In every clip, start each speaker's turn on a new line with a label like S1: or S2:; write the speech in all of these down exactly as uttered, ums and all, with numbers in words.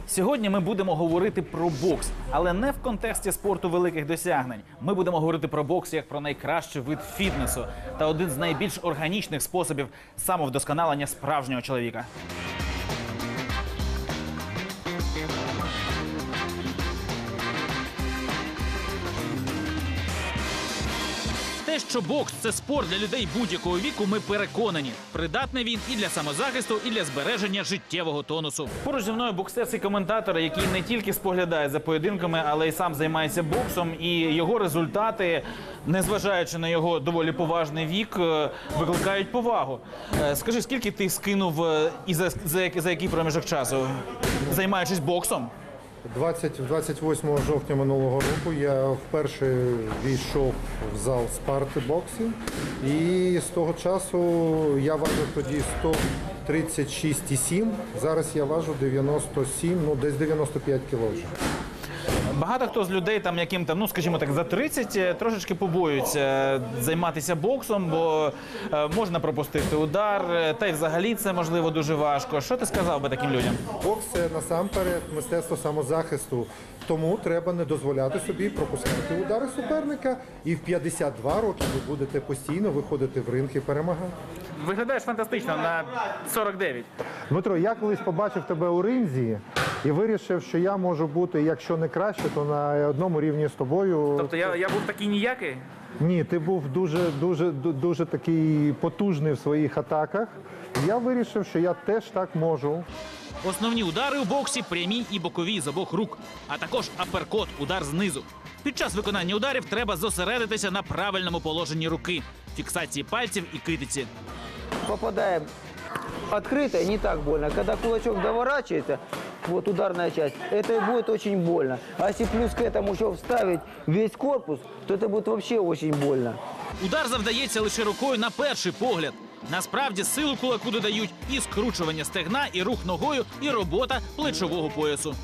S1: Сьогодні ми будемо говорити про бокс, але не в контексті спорту великих досягнень. Ми будемо говорити про бокс як про найкращий вид фітнесу та один з найбільш органічних способів самовдосконалення справжнього чоловіка. Те, що бокс – це спорт для людей будь-якого віку, ми переконані. Придатний він і для самозахисту, і для збереження життєвого тонусу. Поруч зі мною боксерський коментатор, який не тільки споглядає за поєдинками, але й сам займається боксом. І його результати, незважаючи на його доволі поважний вік, викликають повагу. Скажи, скільки ти скинув і за, за, за який проміжок часу, займаючись боксом?
S2: двадцять восьмого жовтня минулого року я вперше війшов в зал спарти боксів, і з того часу я важив тоді сто тридцять шість і сім, зараз я важу дев'яносто сім, ну десь дев'яносто п'ять кіло вже.
S1: Багато хто з людей, там, яким там, ну скажімо так, за тридцять, трошечки побоюються займатися боксом, бо е, можна пропустити удар, та й взагалі це можливо дуже важко. Що ти сказав би таким людям?
S2: Бокс – це насамперед мистецтво самозахисту, тому треба не дозволяти собі пропускати удари суперника, і в п'ятдесят два роки ви будете постійно виходити в ринг і перемагати.
S1: Виглядаєш фантастично на сорок дев'ять.
S2: Дмитро, я колись побачив тебе у ринзі і вирішив, що я можу бути, якщо не краще, то на одному рівні з тобою.
S1: Тобто я, я був такий ніякий?
S2: Ні, ти був дуже, дуже, дуже такий потужний в своїх атаках. Я вирішив, що я теж так можу.
S1: Основні удари у боксі – прямі і бокові з обох рук, а також аперкот – удар знизу. Під час виконання ударів треба зосередитися на правильному положенні руки, фіксації пальців і китиці.
S3: Попадаем открыто и не так больно. Когда кулачок доворачивается, вот ударная часть, это и будет очень больно. А если плюс к этому еще вставить весь корпус, то это будет вообще очень больно.
S1: Удар завдається лише рукою на перший погляд. Насправді силу кулаку додають і скручування стегна, і рух ногою, і робота плечового поясу.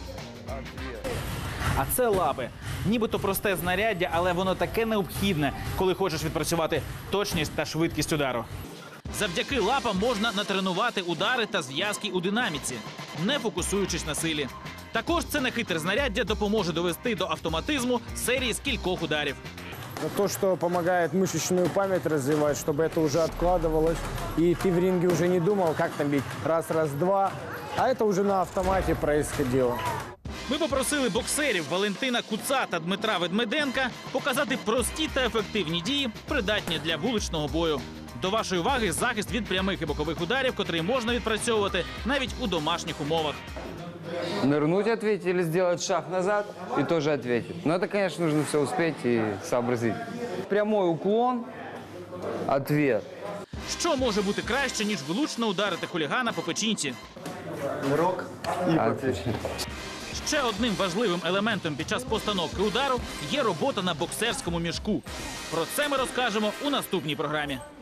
S1: А це лапи. Нібито просте знаряддя, але воно таке необхідне, коли хочеш відпрацювати точність та швидкість удару. Завдяки лапам можна натренувати удари та зв'язки у динаміці, не фокусуючись на силі. Також це нехитре знаряддя допоможе довести до автоматизму серії з кількох ударів.
S4: То, что помогает мышечную память развивать, чтобы это уже откладывалось, и ты в ринге уже не думал, как там бить раз, раз, два, а это уже на автомате происходило.
S1: Ми попросили боксерів Валентина Куца та Дмитра Ведмеденка показати прості та ефективні дії, придатні для вуличного бою. До вашої уваги захист від прямих і бокових ударів, котрий можна відпрацьовувати навіть у домашніх умовах.
S5: Нырнуть ответить или сделать шаг назад и тоже ответить. Но это, конечно, нужно все успеть и сообразить. Прямой уклон, ответ.
S1: Що може бути краще, ніж влучно ударити хулігана по печінці?
S2: Рок і
S5: Ответ.
S1: Ще одним важливим елементом під час постановки удару є робота на боксерському мішку. Про це ми розкажемо у наступній програмі.